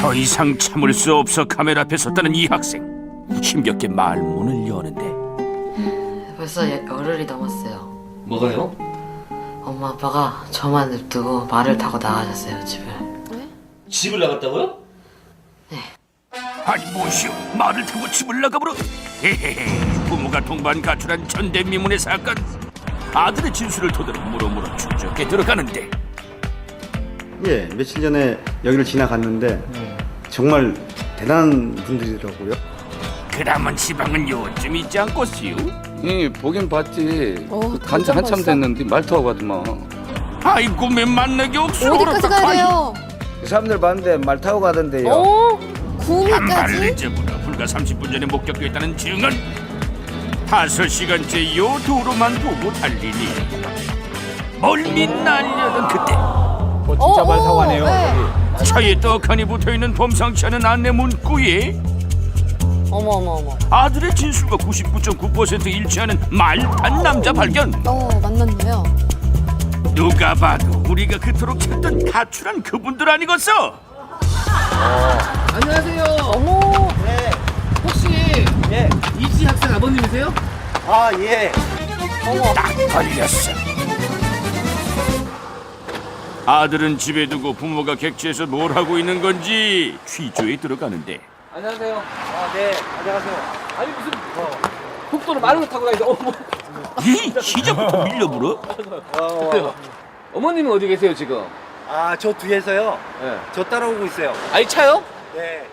더 이상 참을 수 없어 카메라 앞에 섰다는 이 학생. 힘겹게 말문을 여는데 벌써 열흘이 넘었어요. 뭐가요? 엄마 아빠가 저만 냅두고 말을 타고 나가셨어요, 집을. 집을 나갔다고요? 아니 무엇이오 말을 타고 집을 나가버려. 헤헤헤 부모가 동반 가출한 전대미문의 사건. 아들의 진술을 토대로 물어물어 추적해 들어가는데 예, 며칠 전에 여기를 지나갔는데 정말 대단한 분들이더라고요. 그라면 지방은 요쯤 있지 않겠시오? 보긴 봤지. 그 간지 한참 됐는데 말 타고 가더만. 아이고 맨 만나기 없어. 어디까지 가야 돼요? 그 사람들 봤는데 말 타고 가던데요. 한 발을 구미까지? 늦어보라. 불과 30분 전에 목격됐다는 증언. 5시간째 요 도로만 보고 달리니 멀미 날려던 그때 진짜 말 타고 가네요. 네. 차에 떡하니 붙어있는 범상치 않은 안내 문구에 어머. 아들의 진술과 99.9% 일치하는 말탄 남자 발견. 만났네요. 누가 봐도 우리가 그토록 찾던 가출한 그분들 아니겠어? 안녕하세요. 어머. 혹시 이지 학생 아버님이세요? 아, 예. 딱 걸렸어. 아들은 집에 두고 부모가 객지에서 뭘 하고 있는 건지 취조에 들어가는데 안녕하세요. 네, 안녕하세요. 아니 무슨 국도로 말을 타고 다니는데 어머. 이 시작부터 밀려불어? 어머님은 어디 계세요 지금? 아, 저 뒤에서요. 네. 저 따라오고 있어요. 아이 차요? 네.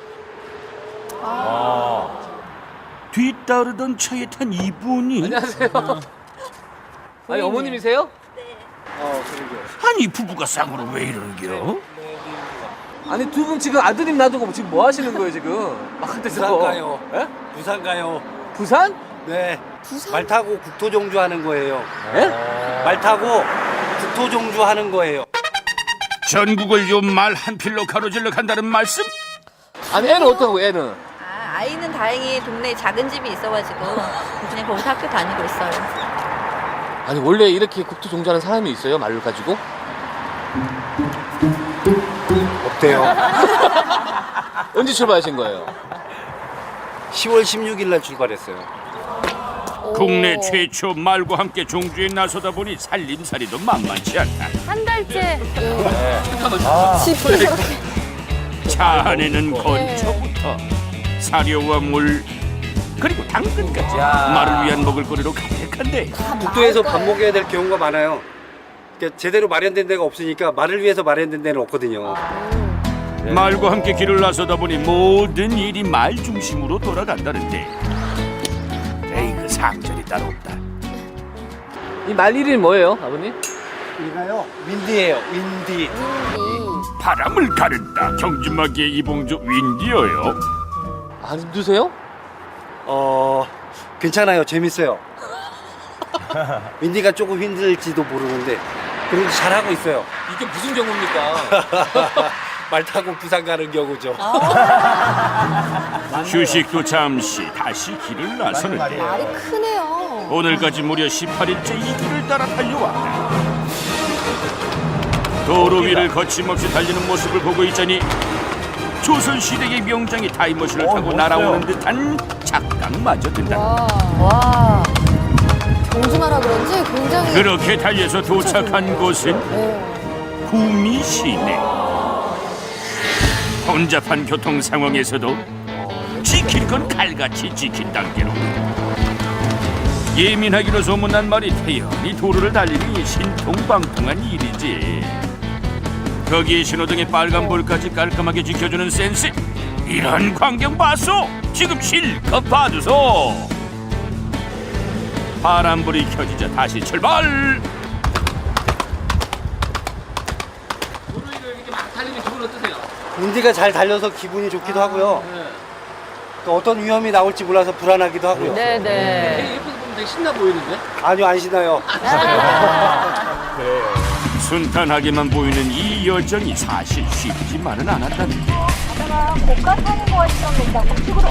뒤따르던 차에 탄 이분이 안녕하세요. 아니 어머님이세요? 그러게요. 아니 부부가 쌍으로 왜 이러는겨? 아니 두 분 지금 아드님 놔두고 지금 뭐 하시는 거예요 지금? 막한테서 부산 가요. 예? 부산 가요. 부산? 네. 말 타고 국토종주 하는 거예요. 예? 말 타고 국토종주 하는 거예요. 전국을 요 말 한 필로 가로질러 간다는 말씀? 아니 애는 어떡하고 애는? 아이는 다행히 동네에 작은 집이 있어가지고 그냥 거기서 학교 다니고 있어요. 아니 원래 이렇게 국토 종주하는 사람이 있어요 말을 가지고? 없대요. 언제 출발하신 거예요? 10월 16일 날 출발했어요. 국내 최초 말과 함께 종주에 나서다 보니 살림살이도 만만치 않다. 한 달째. 차 안에는 건초부터 사료와 물 그리고 당근까지 말을 위한 먹을거리로 가득한데 국도에서 밥 먹여야 될 경우가 많아요. 그러니까 제대로 마련된 데가 없으니까 말을 위해서 마련된 데는 없거든요. 말과 함께 길을 나서다 보니 모든 일이 말 중심으로 돌아간다는데 에이 그 상절이 따로 없다. 이 말 이름이 뭐예요 아버님? 이가요? 윈디예요. 윈디. 바람을 가른다 경주마기의 이봉주 윈디어요. 안 힘드세요? 괜찮아요. 재밌어요. 윈디가 조금 힘들지도 모르는데 그래도 잘하고 있어요. 이게 무슨 경우입니까? 말 타고 부산 가는 경우죠. 휴식도 잠시 다시 길을 나서는데 말이 크네요. 오늘까지 무려 18일째 이 길을 따라 달려왔다. 도로 위를 거침없이 달리는 모습을 보고 있자니 조선시대의 명장이 타임머신을 타고 날아오는 듯한 착각마저 든다. 와. 정주마라 그런지 굉장히. 그렇게 달려서 도착한 곳은 구미 시내. 혼잡한 교통 상황에서도 지킬 건 칼같이 지킨 단계로 예민하기로 소문난 말이 태연히 도로를 달리니 신통방통한 일이지. 거기에 신호등의 빨간불까지 깔끔하게 지켜주는 센스. 이런 광경 봤소? 지금 실컷 봐주소. 파란불이 켜지자 다시 출발. 도로 위를 이렇게 막 달리면 기분 어떠세요? 윈디가 잘 달려서 기분이 좋기도 하고요. 또 어떤 위험이 나올지 몰라서 불안하기도 하고요. 네네. 옆에서 보면 되게 신나 보이는데? 아니요, 안 신나요. 순탄하게만 보이는 이 여정이 사실 쉽지만은 않았다는데 고가 타는 거 같습니다. 우측으로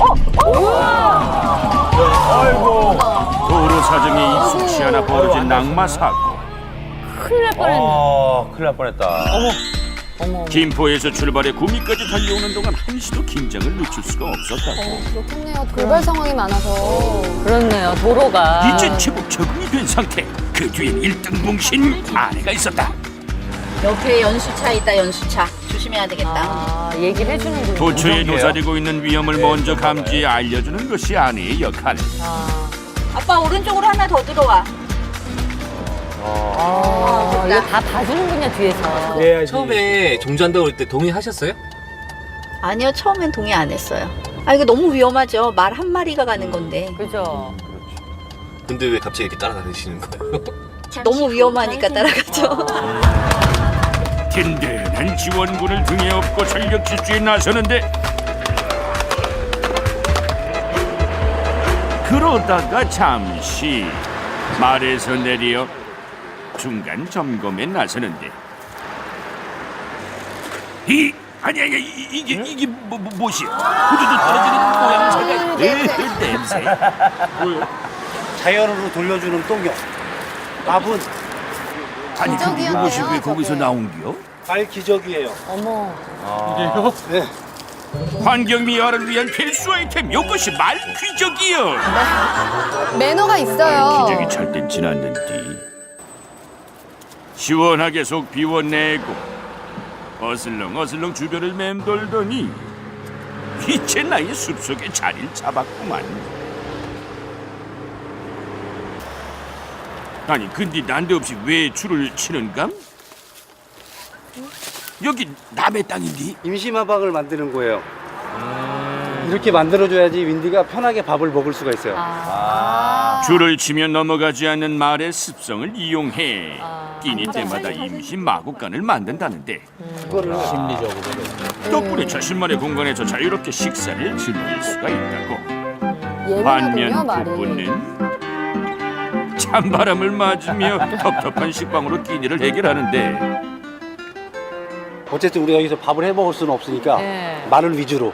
도로 사정에 익숙치 않아 벌어진 낙마 사고. 큰일 날 뻔했네. 큰일 날 뻔했다. 어머. 김포에서 출발해 구미까지 달려오는 동안 한시도 긴장을 늦출 수가 없었다고. 그렇겠네요. 돌발 상황이 많아서. 그렇네요. 도로가. 이제 제법 적응이 된 상태. 그 뒤엔 1등 뭉신 아내가 있었다. 옆에 연수차 있다, 연수차. 조심해야 되겠다. 아, 얘기를 해주는군요. 도처에 도사리고 있는 위험을 먼저 감지해 알려주는 것이 아내의 역할. 아, 아빠 오른쪽으로 하나 더 들어와. 이거 다 봐주는군요, 뒤에서. 처음에 종주한다고 그럴 때 동의하셨어요? 아니요, 처음엔 동의 안 했어요. 아, 이거 너무 위험하죠. 말 한 마리가 가는 건데. 그죠? 근데 왜 갑자기 이렇게 따라다니시는 거예요? 너무 위험하니까 따라가죠. 든든한 지원군을 등에 업고 전력 질주에 나서는데 그러다가 잠시 말에서 내려 중간 점검에 나서는데 이게 무엇이야? 후두두 떨어지는 모양 냄새. 자연으로 돌려주는 똥용. 밥은 아니 근데 이것이 왜 거기서 나온겨? 알 기적이에요. 어머. 네. 환경 미화를 위한 필수 아이템 이것이 말귀적이여. 매너가 있어요. 기적이 찰땐 지났는 뒤 시원하게 속 비워내고 어슬렁어슬렁 주변을 맴돌더니 이제 나의 숲속에 자리를 잡았구만. 아니 근데 난데없이 왜 줄을 치는감? 여기 남의 땅인데? 임시마방을 만드는 거예요. 이렇게 만들어줘야지 윈디가 편하게 밥을 먹을 수가 있어요. 줄을 치며 넘어가지 않는 말의 습성을 이용해 끼니 때마다 임시 마구간을 만든다는데 덕분에 자신만의 공간에서 자유롭게 식사를 즐길 수가 있다고. 예민하군요, 반면 말이. 부부는 찬바람을 맞으며 텁텁한 식빵으로 끼니를 해결하는데 어쨌든 우리가 여기서 밥을 해 먹을 수는 없으니까 네. 말을 위주로.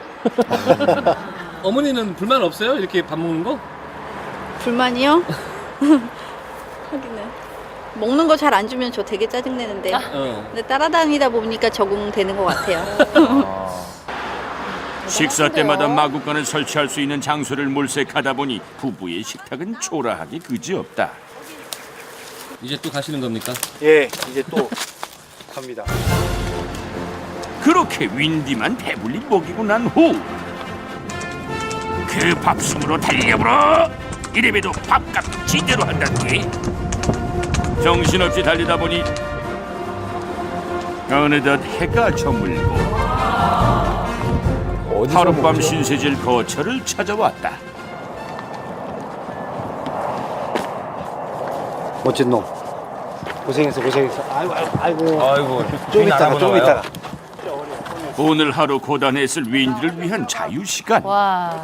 어머니는 불만 없어요? 이렇게 밥 먹는 거? 불만이요? 하기는. 먹는 거 잘 안 주면 저 되게 짜증내는데. 근데 따라다니다 보니까 적응되는 것 같아요. 식사 때마다 마구간을 설치할 수 있는 장소를 물색하다 보니 부부의 식탁은 초라하기 그지없다. 이제 또 가시는 겁니까? 예, 이제 또 갑니다. 그렇게 윈디만 배불리 먹이고 난 후 그 밥숨으로 달려보러 이래봬도 밥값 지대로 한다더니 정신없이 달리다 보니 어느덧 해가 저물고 하룻밤 신세질 거처를 찾아왔다. 멋진 놈. 고생했어. 아이고. 좀 이따가. 오늘 하루 고단했을 윈디를 위한 자유시간. 와.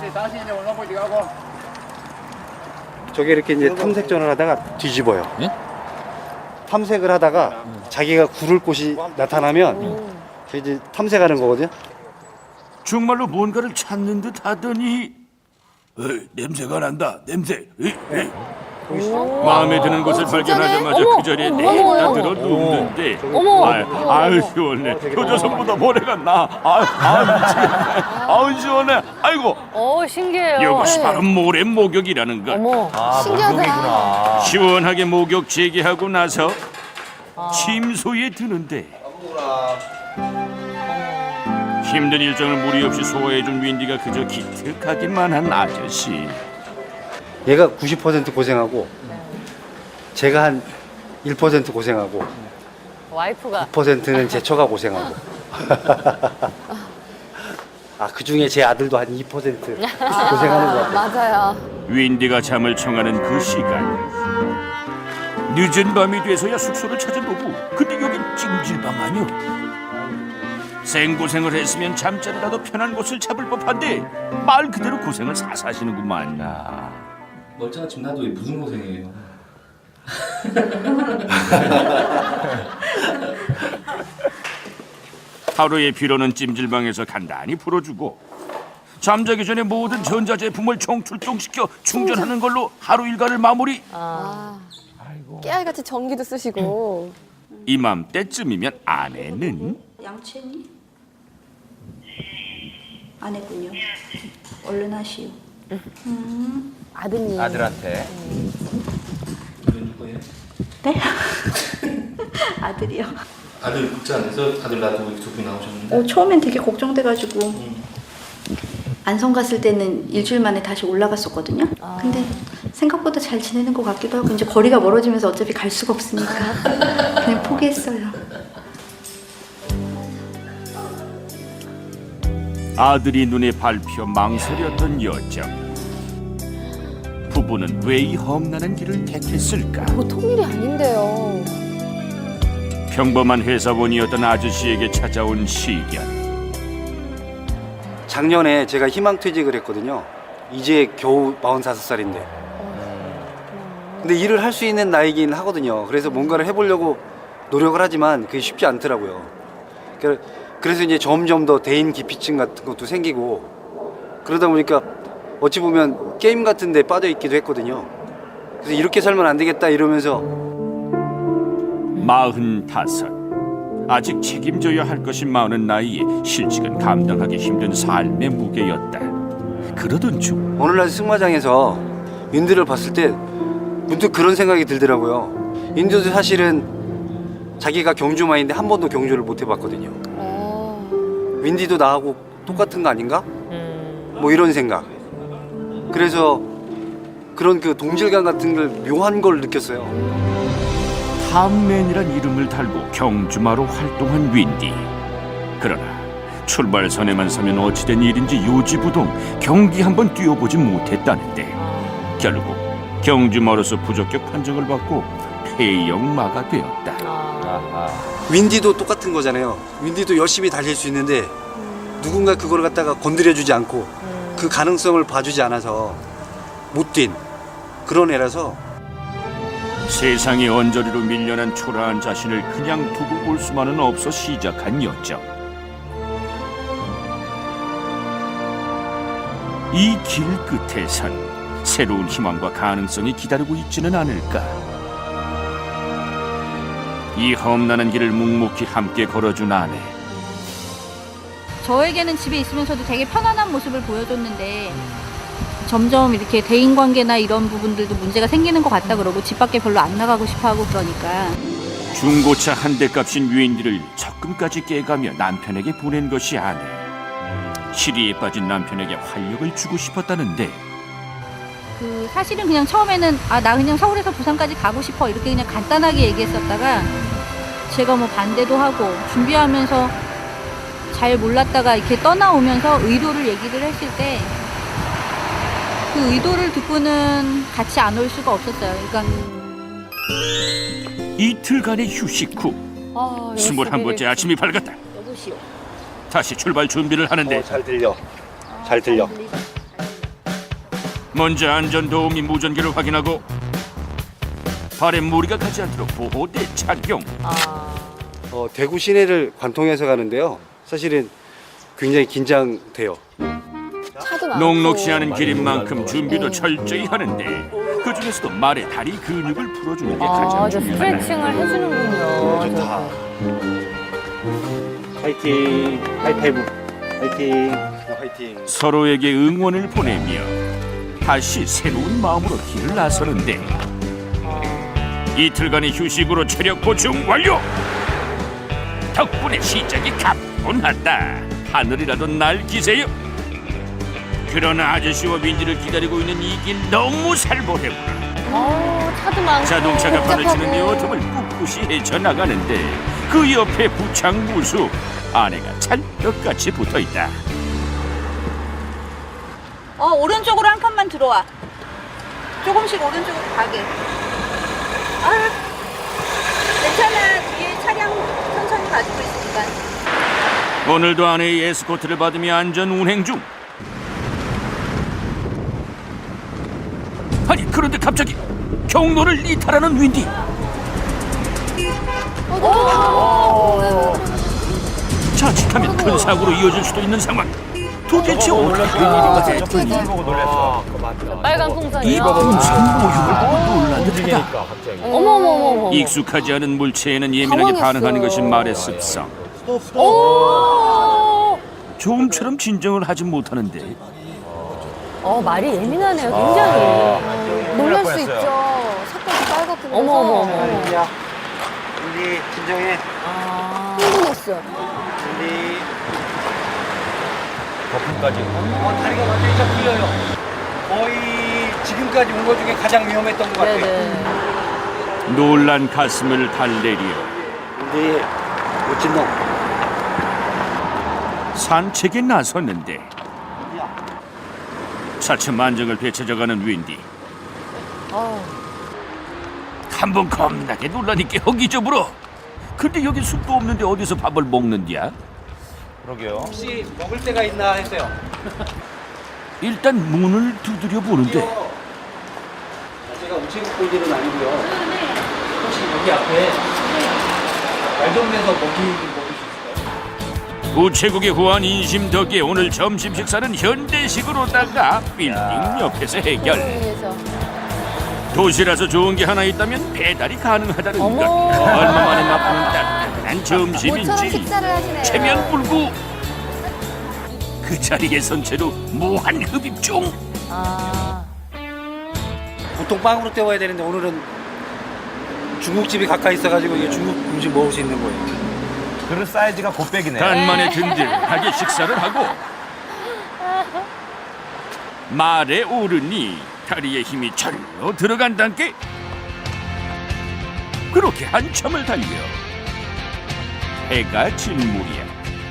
저게 이렇게 이제 탐색전을 하다가 뒤집어요. 예? 탐색을 하다가 자기가 구를 곳이 나타나면 이제 탐색하는 거거든요. 정말로 뭔가를 찾는 듯 하더니 냄새가 난다. 냄새. 마음에 드는 곳을 발견하자마자 어머, 그 자리에 어머, 내다 어머. 들어 눕는데 어머. 아유 시원해. 효자손보다 모래가 나. 아유 시원해. 아이고 신기해요. 이것이 바로 모래 목욕이라는 것. 어머, 신기하다. 시원하게 목욕 재개하고 나서 침소에 드는데 힘든 일정을 무리 없이 소화해준 윈디가 그저 기특하기만 한 아저씨. 얘가 90% 고생하고 제가 한 1% 고생하고 와이프가 9%는 제 처가 고생하고 그 중에 제 아들도 한 2% 고생하는 것 같아요. 맞아요. 윈디가 잠을 청하는 그 시간 늦은 밤이 돼서야 숙소를 찾아보고 근데 여긴 찜질방 아니오. 생고생을 했으면 잠자리라도 편한 곳을 잡을 법한데 말 그대로 고생을 사사하시는구만. 멀쩡한 집 놔두고 무슨 고생이에요? 하루의 피로는 찜질방에서 간단히 풀어주고 잠자기 전에 모든 전자제품을 총출동시켜 충전하는 걸로 하루 일과를 마무리. 깨알같이 전기도 쓰시고. 이맘때쯤이면 아내는 양치했니? 안 했군요. 얼른 하시오. 아드님. 아들한테. 네? 아들이요. 아들 극장 안에서 아들 놔두고 두 분이 나오셨는데 처음엔 되게 걱정돼가지고 안성 갔을 때는 일주일 만에 다시 올라갔었거든요. 근데 생각보다 잘 지내는 것 같기도 하고 이제 거리가 멀어지면서 어차피 갈 수가 없으니까 그냥 포기했어요. 아들이 눈에 밟혀 망설였던 여정. 부부는 왜 이 험난한 길을 택했을까? 보통 일이 아닌데요. 평범한 회사원이었던 아저씨에게 찾아온 시련. 작년에 제가 희망퇴직을 했거든요. 이제 겨우 45살인데. 근데 일을 할 수 있는 나이긴 하거든요. 그래서 뭔가를 해보려고 노력을 하지만 그게 쉽지 않더라고요. 그래서 이제 점점 더 대인 기피증 같은 것도 생기고 그러다 보니까 어찌 보면 게임 같은 데 빠져 있기도 했거든요. 그래서 이렇게 살면 안 되겠다 이러면서 45. 아직 책임져야 할 것이 많은 나이에 실직은 감당하기 힘든 삶의 무게였다. 그러던 중 어느 날 승마장에서 윈드를 봤을 때 문득 그런 생각이 들더라고요. 윈드도 사실은 자기가 경주마인데 한 번도 경주를 못 해봤거든요. 윈디도 나하고 똑같은 거 아닌가? 뭐 이런 생각. 그래서 그런 그 동질감 같은 걸 묘한 걸 느꼈어요. 탐맨이란 이름을 달고 경주마로 활동한 윈디. 그러나 출발선에만 서면 어찌된 일인지 요지부동 경기 한번 뛰어보지 못했다는데 결국 경주마로서 부적격 판정을 받고 폐영마가 되었다. 윈디도 똑같은 거잖아요. 윈디도 열심히 달릴 수 있는데 누군가 그걸 갖다가 건드려주지 않고 그 가능성을 봐주지 않아서 못 뛴 그런 애라서 세상의 언저리로 밀려난 초라한 자신을 그냥 두고 볼 수만은 없어 시작한 여정. 이 길 끝에선 새로운 희망과 가능성이 기다리고 있지는 않을까. 이 험난한 길을 묵묵히 함께 걸어준 아내. 저에게는 집에 있으면서도 되게 편안한 모습을 보여줬는데 점점 이렇게 대인관계나 이런 부분들도 문제가 생기는 것 같다 그러고 집 밖에 별로 안 나가고 싶어하고 그러니까 중고차 한 대 값인 윈디를 적금까지 깨가며 남편에게 보낸 것이 아내. 시리에 빠진 남편에게 활력을 주고 싶었다는데 사실은 그냥 처음에는 나 그냥 서울에서 부산까지 가고 싶어 이렇게 그냥 간단하게 얘기했었다가 제가 뭐 반대도 하고 준비하면서 잘 몰랐다가 이렇게 떠나오면서 의도를 얘기를 했을 때 그 의도를 듣고는 같이 안 올 수가 없었어요. 그러니까 이틀간의 휴식 후 21번째 아침이 밝았다. 여보시오. 다시 출발 준비를 하는데 잘 들려. 잘 들려. 먼저 안전도우미 무전기를 확인하고 발에 무리가 가지 않도록 보호대 착용. 대구 시내를 관통해서 가는데요. 사실은 굉장히 긴장돼요. 차도 많고. 녹록지 않은 길인 만큼 준비도 철저히 하는데 그 중에서도 말의 다리 근육을 풀어주는 게 가장 저 중요하다. 스트레칭을 해주는군요. 좋다. 화이팅. 하이파이브. 화이팅. 화이팅. 서로에게 응원을 보내며 다시 새로운 마음으로 길을 나서는데 이틀간의 휴식으로 체력 보충 완료. 덕분에 시작이 가뿐하다. 하늘이라도 날 기세요. 그러나 아저씨와 윈디를 기다리고 있는 이 길 너무 살벌해구나. 차도 많고. 자동차가 발을 복잡하고. 치는 데 틈을 꿋꿋이 헤쳐나가는데 그 옆에 부창무수 아내가 찰떡같이 붙어있다. 오른쪽으로 한 칸만 들어와. 조금씩 오른쪽으로 가게. 괜찮아. 뒤에 차량 천천히 가지고 있으니까. 오늘도 아내의 에스코트를 받으며 안전 운행 중. 아니 그런데 갑자기 경로를 이탈하는 윈디. 자칫하면 큰 사고로 이어질 수도 있는 상황. 도대체 어떻게 된 일인가? 빨간 풍선이요. 이 풍선 모형을 보고 놀란 듯하다. 어머머머머. 익숙하지 않은 물체에는 예민하게 당황했어요. 반응하는 것이 말의 습성. 좀처럼 진정을 하지 못하는데 말이 예민하네요, 굉장히. 놀랄 수 있죠. 색깔이 빨갛고 그래서. 어머. 우리 진정해. 흥분했어. 우리 거품까지. 다리가 완전히 쫙 풀려요. 거의 지금까지 온 것 중에 가장 위험했던 것 같아요. 네네. 놀란 가슴을 달래려 우리 멋진 놈. 산책에 나섰는데 차츰 안정을 되찾아가는 윈디. 한번 겁나게 놀라니까 허기져불어. 근데 여기 숲도 없는데 어디서 밥을 먹는디야? 혹시 먹을 데가 있나 했어요. 일단 문을 두드려 보는데 제가 우체국 볼 일은 아니고요. 혹시 여기 앞에 말동네에서 먹을 수 있을까요? 우체국의 후한 인심 덕에 오늘 점심 식사는 현대식으로다가 빌딩 옆에서 해결. 도시라서 좋은 게 하나 있다면 배달이 가능하다는 것. 얼마 만에 맛보는 따뜻한 점심인지 체면 불구 그 자리에 선 채로 무한 흡입 중. 보통 빵으로 때워야 되는데 오늘은 중국집이 가까이 있어가지고 이게 중국 음식 먹을 수 있는 거예요. 그릇 사이즈가 곱빼기네. 간만에 든든하게 식사를 하고 말에 오르니 다리에 힘이 절로 들어간단께. 그렇게 한참을 달려 해가 질 무렵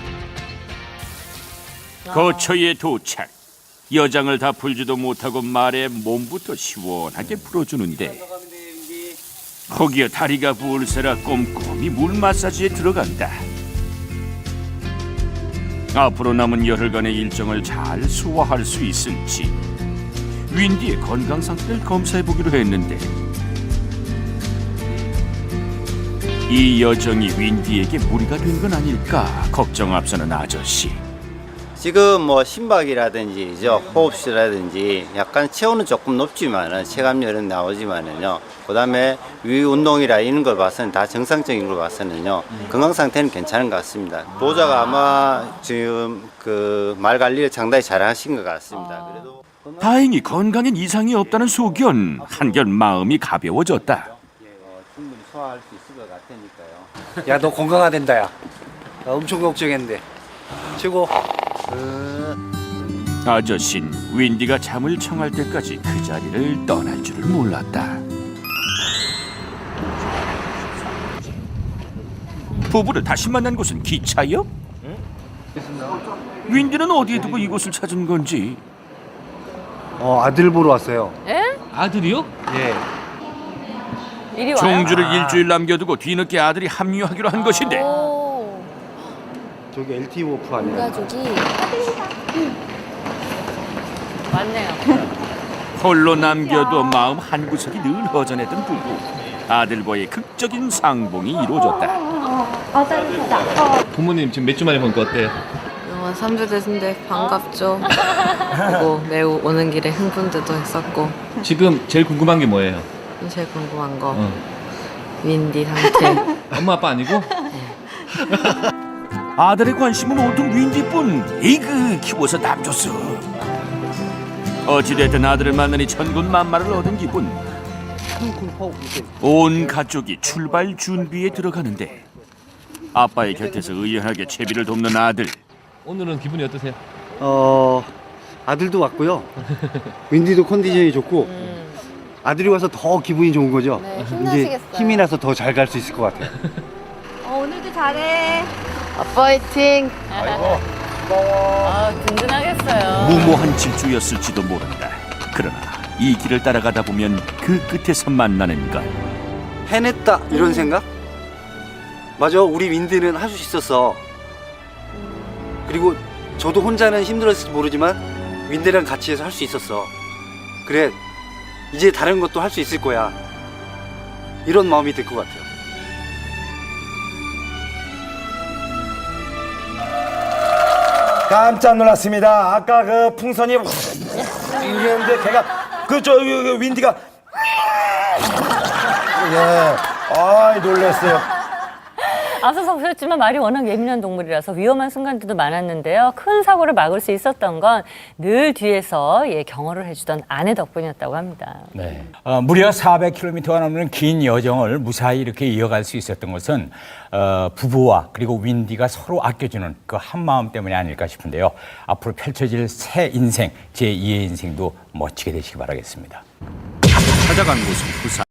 거처에 도착. 여장을 다 풀지도 못하고 말에 몸부터 시원하게 풀어주는데 거기에 다리가 부을세라 꼼꼼히 물 마사지에 들어간다. 앞으로 남은 열흘간의 일정을 잘 소화할 수 있을지 윈디의 건강 상태를 검사해보기로 했는데 이 여정이 윈디에게 무리가 된 건 아닐까 걱정 앞서는 아저씨. 지금 뭐 심박이라든지 호흡수라든지 약간 체온은 조금 높지만은 체감열은 나오지만은요. 그다음에 위 운동이라 이런 걸 봐서는 다 정상적인 걸 봐서는요. 건강 상태는 괜찮은 것 같습니다. 보호자가 아마 지금 그 말 관리를 상당히 잘하신 것 같습니다. 그래도 다행히 건강엔 이상이 없다는 소견. 한결 마음이 가벼워졌다. 충분히 소화할 수 있을 것 같으니까요. 야, 너 건강하댄다, 야. 나 엄청 걱정했는데. 최고. 아저씨는 윈디가 잠을 청할 때까지 그 자리를 떠날 줄을 몰랐다. 부부를 다시 만난 곳은 기차역? 윈디는 어디에 두고 이곳을 찾은 건지. 아들 보러 왔어요. 아들이요? 예. 이리 와요? 종주를 일주일 남겨두고 뒤늦게 아들이 합류하기로 한 것인데 저기 LT 워프 아니에요? 가족이 맞네요. 홀로 남겨도 마음 한구석이 늘 허전했던 부부. 아들과의 극적인 상봉이 이루어졌다. 부모님 지금 몇 주 만에 보니까 어때요? 3주 됐는데 반갑죠. 그리고 매우 오는 길에 흥분도 했었고. 지금 제일 궁금한 게 뭐예요? 제일 궁금한 거 윈디 상태. 엄마 아빠 아니고? 아들의 관심은 온통 윈디뿐. 이그 키워서 남줬어. 어찌됐든 아들을 만나니 천군만마를 얻은 기분. 온 가족이 출발 준비에 들어가는데 아빠의 곁에서 의연하게 채비를 돕는 아들. 오늘은 기분이 어떠세요? 아들도 왔고요. 윈디도 컨디션이 좋고 아들이 와서 더 기분이 좋은 거죠. 네, 이제 힘나시겠어요. 힘이 나서 더 잘 갈 수 있을 것 같아요. 오늘도 잘해. 아빠 화이팅! 든든하겠어요. 무모한 질주였을지도 모른다. 그러나 이 길을 따라가다 보면 그 끝에서 만나는 것. 해냈다 이런 생각? 맞아, 우리 윈디는 할 수 있었어. 그리고 저도 혼자는 힘들었을지 모르지만 윈디랑 같이 해서 할 수 있었어. 그래, 이제 다른 것도 할 수 있을 거야. 이런 마음이 들 것 같아요. 깜짝 놀랐습니다. 아까 그 풍선이 이랬는데 걔가 윈디가 예, 놀랬어요. 앞서서 보셨지만 말이 워낙 예민한 동물이라서 위험한 순간들도 많았는데요. 큰 사고를 막을 수 있었던 건 늘 뒤에서 경호를 해주던 아내 덕분이었다고 합니다. 네. 무려 400km가 넘는 긴 여정을 무사히 이렇게 이어갈 수 있었던 것은 부부와 그리고 윈디가 서로 아껴주는 그 한마음 때문이 아닐까 싶은데요. 앞으로 펼쳐질 새 인생, 제2의 인생도 멋지게 되시기 바라겠습니다. 찾아간 곳은 부산.